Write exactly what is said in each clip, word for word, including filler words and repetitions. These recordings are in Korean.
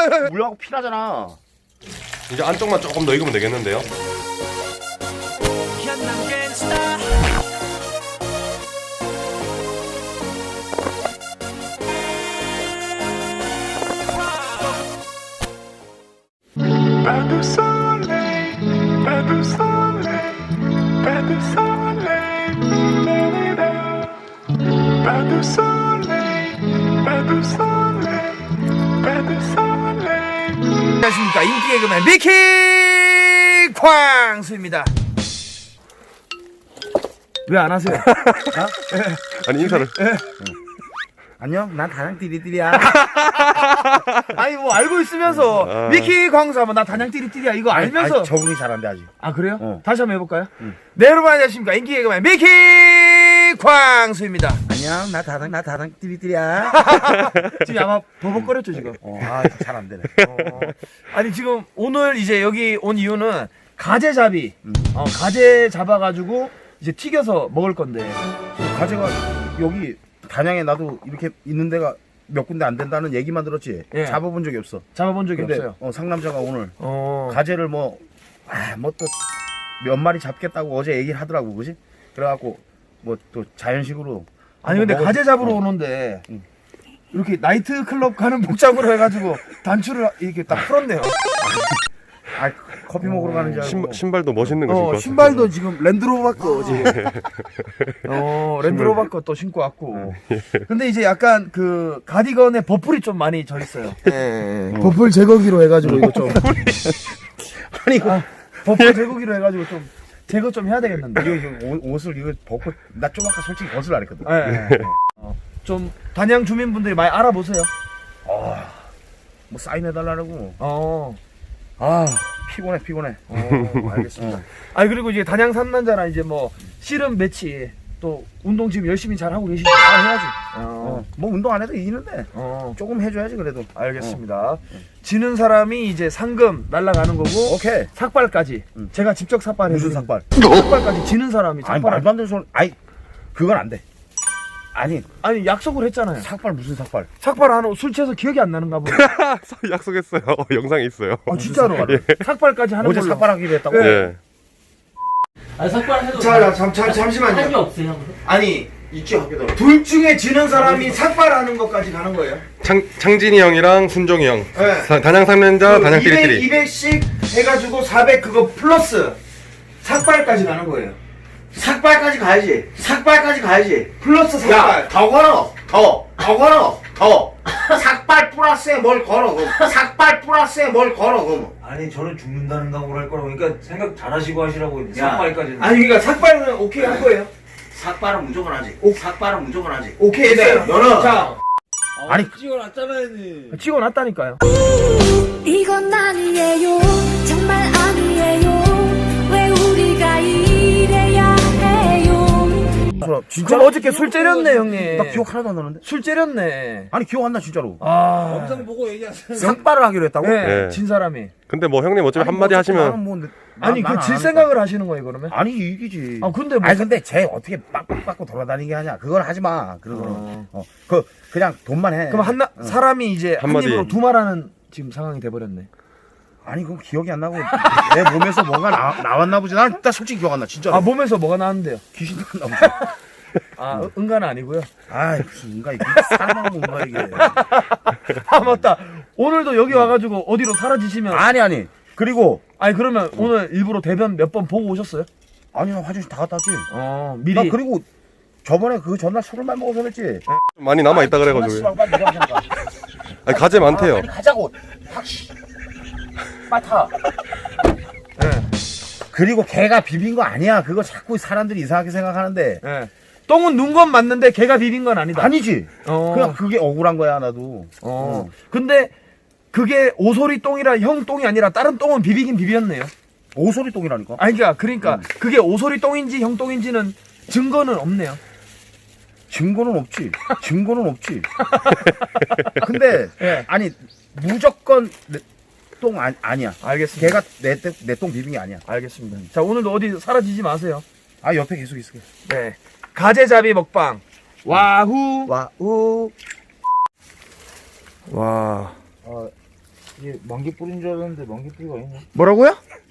물하고 피나잖아. 이제 안쪽만 조금 더 익으면 되겠는데요. Pas de soleil, pas de soleil, pas de soleil, pas de soleil, pas de soleil, pas de soleil. 안녕하십니까, 인기 개그맨 미키 쾅수입니다. 왜 안 하세요? 아니 인사를. 안녕, 난 단양 띠리띠리야. 아니 뭐 알고 있으면서 아. 미키 광수 하면 나 단양 띠리띠리야 이거 알면서. 아니, 적응이 잘한데 아직. 아 그래요? 어. 다시 한번 해볼까요? 네, 여러분 안녕하십니까, 인기 개그맨 미키 쾅수입니다. 안녕, 나 다당 나 다당 띠리띠리야. 지금 아마 버벅거렸죠 지금. 어, 아, 잘 안 되네. 어. 아니 지금 오늘 이제 여기 온 이유는 가재잡이, 어, 가재 잡아가지고 이제 튀겨서 먹을 건데. 가재가 여기 단양에 나도 이렇게 있는 데가 몇 군데 안 된다는 얘기만 들었지. 예. 잡아본 적이 없어. 잡아본 적이 근데 없어요. 어, 상남자가 오늘 어. 가재를 뭐, 아, 뭐 또 몇 마리 잡겠다고 어제 얘기를 하더라고, 그지? 그래갖고 뭐 또 자연식으로. 아니 근데 먹어- 가재 잡으러 어. 오는데 응. 이렇게 나이트 클럽 가는 복장으로 해가지고 단추를 이렇게 딱 풀었네요. 아, 커피 먹으러 가는 줄 알고. 신발, 신발도 멋있는 거 신고 어, 왔어요. 신발도 지금 랜드로버 거 지금. 어, 랜드로버 거 또 신고 왔고. 근데 이제 약간 그 가디건에 버플이 좀 많이 져 있어요. 예, 예. 버플 제거기로 해가지고 이거 좀. 아니, 이거, 아, 버플 제거기로 해가지고 좀 제거 좀 해야 되겠는데. 이거, 이거 옷- 옷을 이거 벗고, 나 좀 아까 솔직히 벗을 안 했거든. 예, 예. 어, 좀 단양 주민분들이 많이 알아보세요. 뭐 사인해달라고. 어. 아, 피곤해, 피곤해. 어, 알겠습니다. 아니 그리고 이제 단양 삼남자랑 이제 뭐 씨름 매치 또 운동 지금 열심히 잘 하고 계시죠? 아, 해야지. 어, 어, 뭐 운동 안 해도 이기는데. 어, 조금 해줘야지, 그래도. 알겠습니다. 지는 사람이 이제 상금 날라가는 거고 오케이. 삭발까지. 응. 제가 직접 삭발해. 무슨 삭발? 삭발까지 지는 사람이 아니, 삭발. 말도 안 되는 소리. 아니, 그건 안 돼. 아니, 아니 약속을 했잖아요. 삭발 무슨 삭발? 삭발하는 술 취해서 기억이 안 나는가 보네. 약속했어요. 영상에 있어요. 아 진짜로. 삭발까지 하는 어제 걸로. 삭발하기로 했다고? 네. 예. 아니 삭발해도 자, 잠, 잠, 할 게 잠시만요. 없어요. 아니 있지, 학교도. 둘 중에 지는 사람이 삭발하는 것까지 가는 거예요. 창 창진이 형이랑 순종이 형. 네. 사- 단양 삼년자, 단양 이백, 띠리띠리. 이백씩 해가지고 사백 그거 플러스 삭발까지 가는 거예요. 삭발까지 가야지. 삭발까지 가야지. 플러스 삭발. 야, 더 걸어. 더. 더 걸어. 더. 삭발 플러스에 뭘 걸어, 그럼. 삭발 플러스에 뭘 걸어, 그럼. 아니 저는 죽는다는 각오를 할 거라고. 그러니까 생각 잘하시고 하시라고. 삭발까지는. 아니 그러니까 삭발은 오케이 할 거예요. 삭발은 무조건 하지. 삭발은 무조건 하지. 오케이 했어요. 너는- 자 아니, 찍어놨잖아요. 찍어놨다니까요. 이건 아니에요 정말 아니에요 왜 우리가 이래야 해요 진짜. 그럼 어저께 술 째렸네 형님. 나 기억 하나도 안 나는데? 술 째렸네. 아니, 기억 안 나, 진짜로. 아. 영상 보고 얘기하세요. 삭발을 하기로 했다고? 네, 네. 진 사람이. 근데 뭐 형님 어차피 아니, 한마디 뭐, 하시면 나는 뭐, 나- 아니 나는 그 안 질 하니까. 생각을 하시는 거예요 그러면? 아니, 이기지. 아 근데 뭐 아니, 근데 쟤 어떻게 빡빡빡고 돌아다니게 하냐. 그건 하지 마. 그런 거는. 어. 어. 그, 그냥 돈만 해. 그럼 한나 어. 사람이 이제 한 한마디. 입으로 두 말하는 지금 상황이 돼버렸네. 아니, 그건 기억이 안 나고. 내 몸에서 뭔가 나, 나왔나 보지. 난, 나 솔직히 기억 안 나, 진짜로. 아 몸에서 뭐가 나왔는데요? 귀신 나왔나 보지. 아 응- 응가는 아니고요. 아이, 무슨 인가, 이게. 사람하고 뭔가 이게. 아 맞다. 오늘도 여기 와가지고 어디로 사라지시면 아니, 아니. 그리고, 아니 그러면 오늘 일부러 대변 몇 번 보고 오셨어요? 아니, 나 화장실 다 갔다 왔지. 어 미리. 나 그리고 저번에 그 전날 술을 많이 먹어서 그랬지. 많이 남아 있다 그래가지고. 빨리 내가 그냥 가. 아니 가재 많대요. 빨리 가자고. 확, 씨. 빨리 타. 예. 그리고 걔가 비빈 거 아니야. 그거 자꾸 사람들이 이상하게 생각하는데. 예. 똥은 눈 건 맞는데 걔가 비빈 건 아니다. 아니지. 어. 그냥 그게 억울한 거야, 나도. 어. 근데 그게 오소리 똥이라 형 똥이 아니라 다른 똥은 비비긴 비볐네요. 오소리 똥이라니까. 아니 그러니까 그러니까 그게 오소리 똥인지 형 똥인지는 증거는 없네요. 증거는 없지. 증거는 없지. 근데 예. 아니 무조건 내, 똥 아, 아니야. 알겠습니다. 걔가 내내 똥 비빈 게 아니야. 알겠습니다. 자 오늘도 어디 사라지지 마세요. 아 옆에 계속 있을게. 네. 가재잡이 먹방. 와후. 와우. 와. 어, 이게 만개 뿌린 줄 알았는데 만개 뿌리가 아니네. 뭐라고요?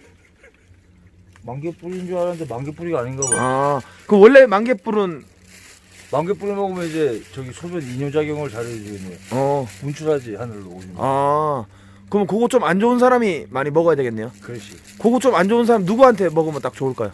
만개 뿌린 줄 알았는데 만개 뿌리가 아닌가 봐. 아, 그 원래 만개뿔은 만개 뿌리 먹으면 이제 저기 소변 이뇨작용을 잘해주겠네. 어, 분출하지 하늘로 오줌. 아, 그럼 그거 좀 안 좋은 사람이 많이 먹어야 되겠네요. 그렇지. 그거 좀 안 좋은 사람 누구한테 먹으면 딱 좋을까요?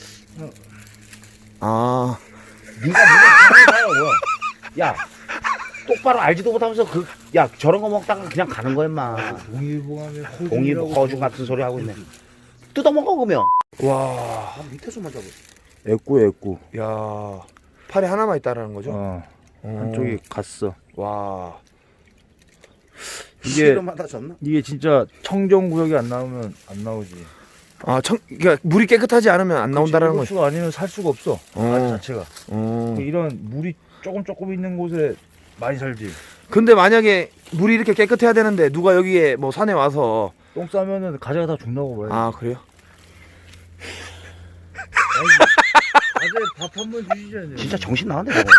아, 네가 네가 뭐야? 야, 똑바로 알지도 못하면서 그 야 저런 거 먹다가 그냥 가는 거야, 임마. 동일봉하면 허 공이 거중 같은 소리 하고 있네. 뜯어 먹어 그러면. 와, 아, 밑에서만 잡아. 애꾸 애꾸. 야, 팔에 하나만 있다라는 거죠? 어. 어. 한쪽이 갔어. 와, 이게 실험하다 졌나? 이게 진짜 청정 구역이 안 나오면 안 나오지. 아, 청, 그러니까 물이 깨끗하지 않으면 안 나온다라는 거죠. 수가 아니면 살 수가 없어. 어. 알 자체가. 어. 이런 물이 조금 조금 있는 곳에 많이 살지. 근데 만약에 물이 이렇게 깨끗해야 되는데 누가 여기에 뭐 산에 와서 똥 싸면은 가재가 다 죽나고 봐요. 아, 그래요? 가재 밥 한 번 주시잖아요. 진짜 정신 나간다 저거.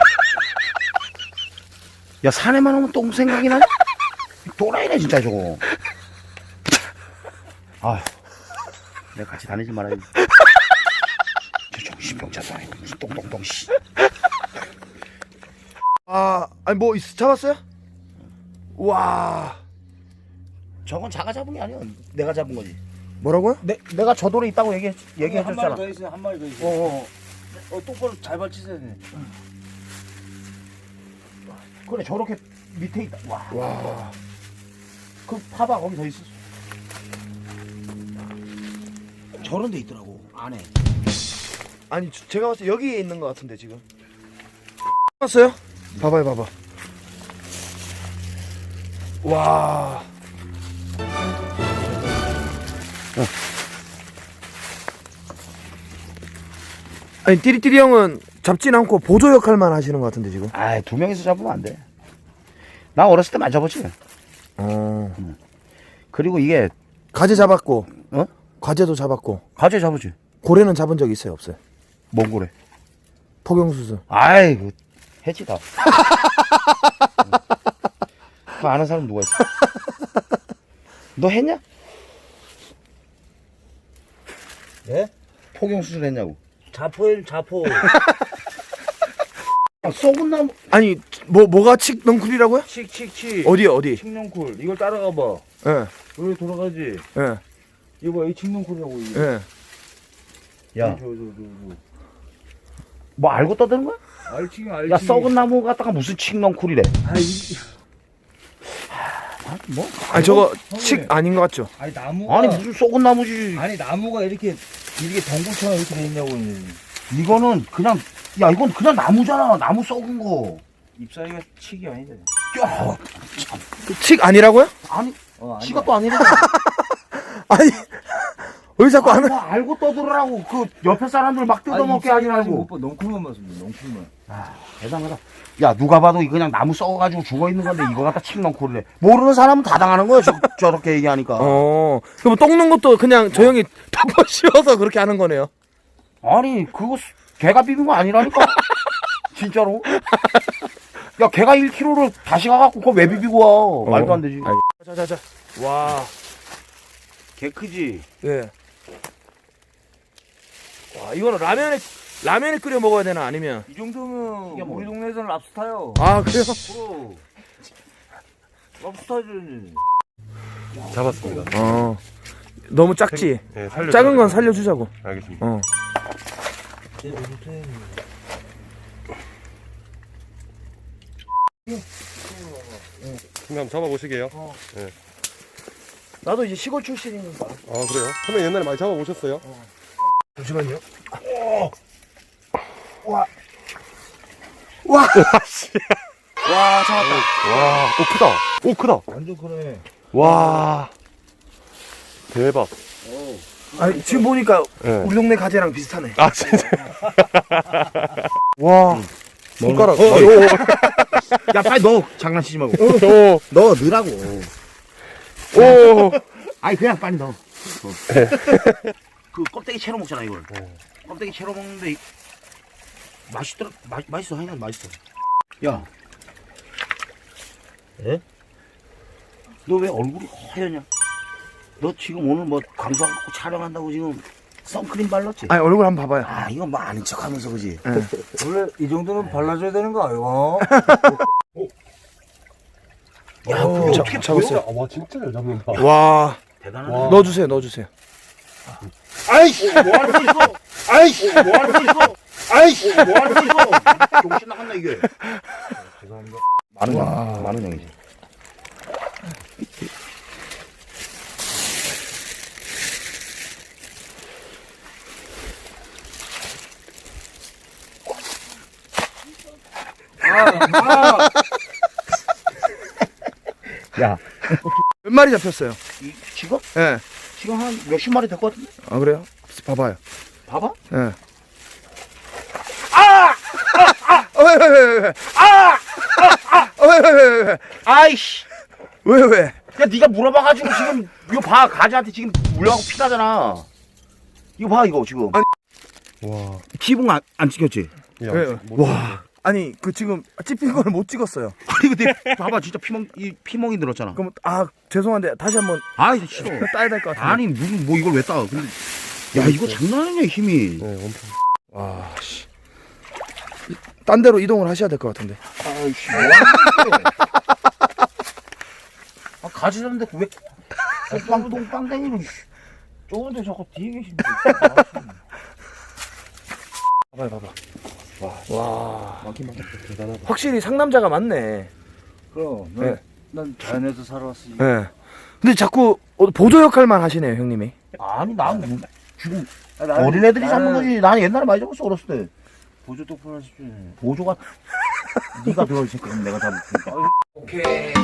야 산에만 오면 똥 생각이 나냐? 도라이네 진짜 저거. 아, 내가 같이 다니지 말아야지. 저 정신병자도 아니고 무슨 똥똥똥 씨. 아, 아니 뭐 있, 잡았어요? 와, 저건 자가 잡은 게 아니야. 내가 잡은 거지. 뭐라고요? 내 내가 저 돌에 있다고 얘기해 한 얘기해줬잖아. 마리 더 있어. 한 마리 더 있어. 어, 어. 어, 똑바로 잘 받치세요. 그래 저렇게 밑에 있다. 와. 와, 그 파봐 거기 더 있었어. 저런 데 있더라고 안에. 아니 저- 제가 봤을 때 여기에 있는 것 같은데 지금. 봤어요? 봐봐요, 봐봐. 와. 아니 띠리띠리 형은 잡진 않고 보조 역할만 하시는 것 같은데 지금. 아, 두 명이서 잡으면 안 돼. 나 어렸을 때 많이 잡았지. 어. 그리고 이게 가재 잡았고, 어? 과제도 잡았고, 가재 잡았지. 고래는 잡은 적 있어요, 없어요? 뭔 거래? 포경수술. 아이, 그 해치다. 그 아는 사람 누가 있어? 너 했냐? 예? 포경 수술 했냐고. 자포일 자포. 아, 썩은 나무. 아니 뭐 뭐가 칙 넝쿨이라고요? 칙칙칙. 어디요, 어디? 칙농쿨. 이걸 따라가 봐. 예, 여기 돌아가지. 예, 이거 이 칙농쿨이라고 이게. 예. 야, 저, 저, 저, 저. 뭐 알고 떠드는 거야? 알칭 알칭. 야, 썩은 나무 갖다가 무슨 칡넝쿨이래. 아, 이, 아, 뭐? 아니 저거 형님. 칙 아닌 것 같죠? 아니 나무가 아니 무슨 썩은 나무지. 아니 나무가 이렇게 이렇게 덩굴처럼 이렇게 돼 있냐고. 이거는 그냥 야 이건 그냥 나무잖아. 나무 썩은 거. 잎사귀가 칙이 아닌데. 야, 칙 아니라고요? 아니 어, 아니. 지가 또 아니래. 아니 왜 자꾸 아니, 안 뭐 알고 떠들으라고 그 옆에 사람들 막 뜯어먹게 하지 말고. 넝쿨만 봤습니다. 넝쿨만. 아, 대단하다. 야 누가 봐도 이 그냥 나무 썩어가지고 죽어 있는 건데 이거 갖다 칡넝쿨이래. 모르는 사람은 다 당하는 거야. 저, 저렇게 얘기하니까. 어, 그럼 똥는 것도 그냥 저 형이 덮어 씌워서 그렇게 하는 거네요. 아니 그거 수- 개가 비빈 거 아니라니까. 진짜로. 야 개가 일 킬로그램를 다시 가갖고 그거 왜 비비고 와. 말도 안 되지. 아니, 자자자. 와, 개 크지. 예. 와, 이거는 라면에 라면에 끓여 먹어야 되나 아니면? 이 정도면 이게 뭐- 우리 동네에서는 랍스타요. 아, 그래요? 프로. 랍스타지. 잡았습니다. 어. 너무 작지? 네, 살려. 작은 건 살려주자고. 알겠습니다. 어. 선배 한번 잡아보시게요. 나도 이제 시골 출신이니까. 아 그래요? 선배 옛날에 많이 잡아보셨어요? 잠시만요. 와, 잡았다. 와, 오 크다. 오 크다. 완전 크네. 와, 대박. 아니, 지금 보니까 네. 우리 동네 가재랑 비슷하네. 아 진짜. 와. 손가락. 어, 어, 야 빨리 넣어. 장난치지 말고. 오, 넣어 넣으라고. 오. 아니 그냥 빨리 넣어. 어. 그 껍데기 채로 먹잖아 이걸. 껍데기 채로 먹는데 이- 맛있더라. 마, 맛있어. 하여간 맛있어. 야. 예? 너 왜 얼굴이 허여냐? 너 지금 오늘 뭐 강사 갖고 촬영한다고 지금 선크림 발랐지? 아니 얼굴 한번 봐봐요. 아, 이거 뭐 아닌 척 하면서 그지? 원래 이 정도는 발라줘야 되는 거 아이가? 야, 그거 어떻게 잡았어요. 보여? 와, 진짜 잘 잡는다. 와, 대단하네. 와. 넣어주세요, 넣어주세요. 아이씨, 뭐 할 수 있어? 아이씨, 뭐 할 수 있어? 아이씨, 뭐 할 수 있어? 정신 나갔나, 이게? 죄송합니다. 많은 양, 많은 양이지. 야, 몇 마리 잡혔어요? 이, 지금? 예. 지금 한 몇십 마리 될 것 같은데? 아 그래요? 봐봐요. 봐봐. 예. 아! 아! 아! 왜, 왜, 왜, 왜? 아! 아! 왜, 왜, 왜, 왜? 아이씨. 왜, 왜? 야, 네가 물어봐가지고 지금 이거 봐, 가지한테 지금 물려가고 피나잖아. 이거 봐, 이거 지금. 아니. 와. 기분 안, 안 찍혔지? 야, 왜? 못 와. 아니 그 지금 찝힌 거를 못 찍었어요. 아니 근데 봐봐, 진짜 피멍 이 피멍이 늘었잖아. 그럼 아 죄송한데 다시 한번 아이 싫어. 따야 될 것 같은데. 아니 무슨 뭐 이걸 왜 따? 근데 야 이거 장난 아니냐 힘이. 네, 엄청. 와 씨. 딴 데로 이동을 하셔야 될 것 같은데. 아이씨. 뭐 하는 거야? 아 가지런데 왜 빵동 빵댕이로 좋은데 자꾸 뒤에 계신데. 봐봐요, 봐봐. 와. 와. 많긴 많다. 대단하다. 확실히 상남자가 많네. 그럼 네. 난, 난 자연에서 살아왔으니 예. 근데 자꾸 어, 보조 역할만 하시네요, 형님이. 아니 난 뭐, 지금 아, 나는- 어린애들이 잡는 나는 거지. 나는 옛날에 많이 잡았어 어렸을 때. 보조 똑바로 하십시오. 보조가 네가 들어올 새 그럼 내가 잡을 테니까. 오케이.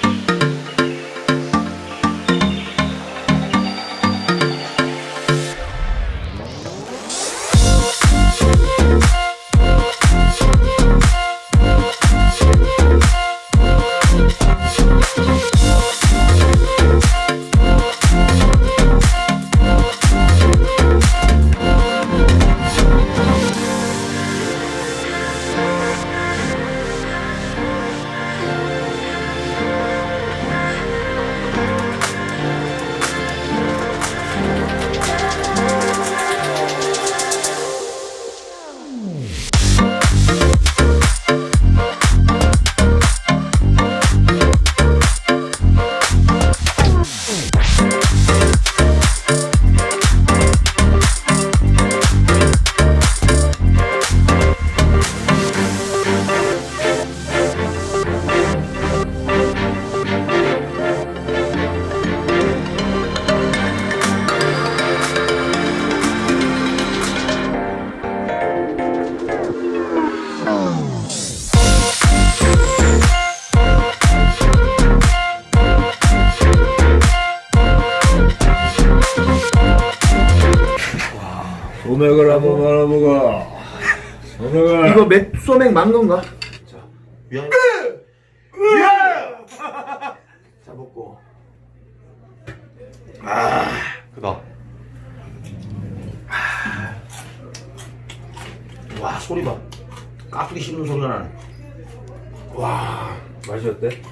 소맥을 한번 말아보고. 소맥을. 이거 맥 소맥 만 건가? 미안해. 자 먹고. 크다. 와 소리 봐. 깍두기 씹는 소리가 나네. 와 맛이 어때?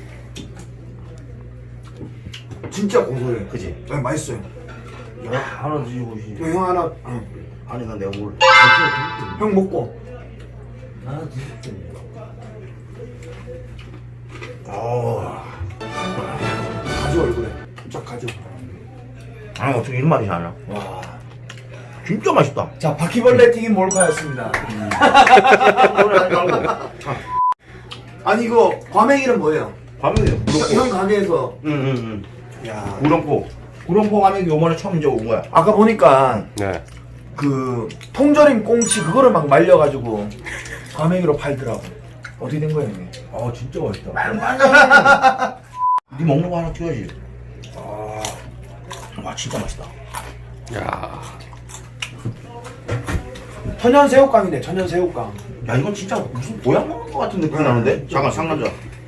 진짜 고소해. 그지? 네, 맛있어요. 야 하나 드셔보시. 형 하나. 아니 난 내가 뭘. 형 먹고. 하나 드실게. 아. 가져 얼굴에. 쫙 가져. 아니 어떻게 이런 맛이 나냐? 와. 진짜 맛있다. 자 바퀴벌레 튀김 몰카였습니다. 아니 이거 과메기는 뭐예요? 과메기요. 형, 형 가게에서. 응응응. 야. 구룡포. 구룡포 과메기 요번에 처음 이제 온 거야. 아까 보니까 네. 그 통조림 꽁치 그거를 막 말려가지고 과메기로 팔더라고. 어떻게 된 거야 형님? 아 진짜 맛있다. 말만 네 먹는 거 하나 튀어야지. 아, 와 진짜 맛있다. 야. 천연 새우깡이네. 천연 새우깡. 야 이건 진짜 무슨 보양 먹는 거 같은 느낌이 나는데? 잠깐 상남자.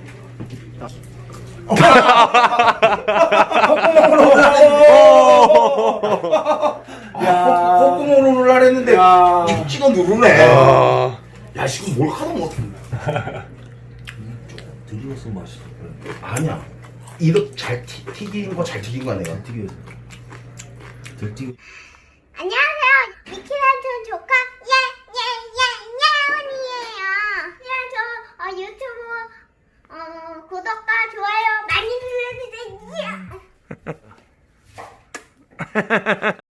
야. 콧구멍으로 누르려 했는데 야. 이 찍어 누르네. 아. 야 지금 뭘 하도 못. 들리겠어 맛있어. 아니야. 이거 잘 튀, 튀긴 거 잘 튀긴 거야 내가. 튀겨. 덜 튀겨. 안녕하세요. 미키란촌 조카 예예예예원이에요. 그냥 저 어, 유튜브 어, 구독과 좋아요 많이 눌러주세요.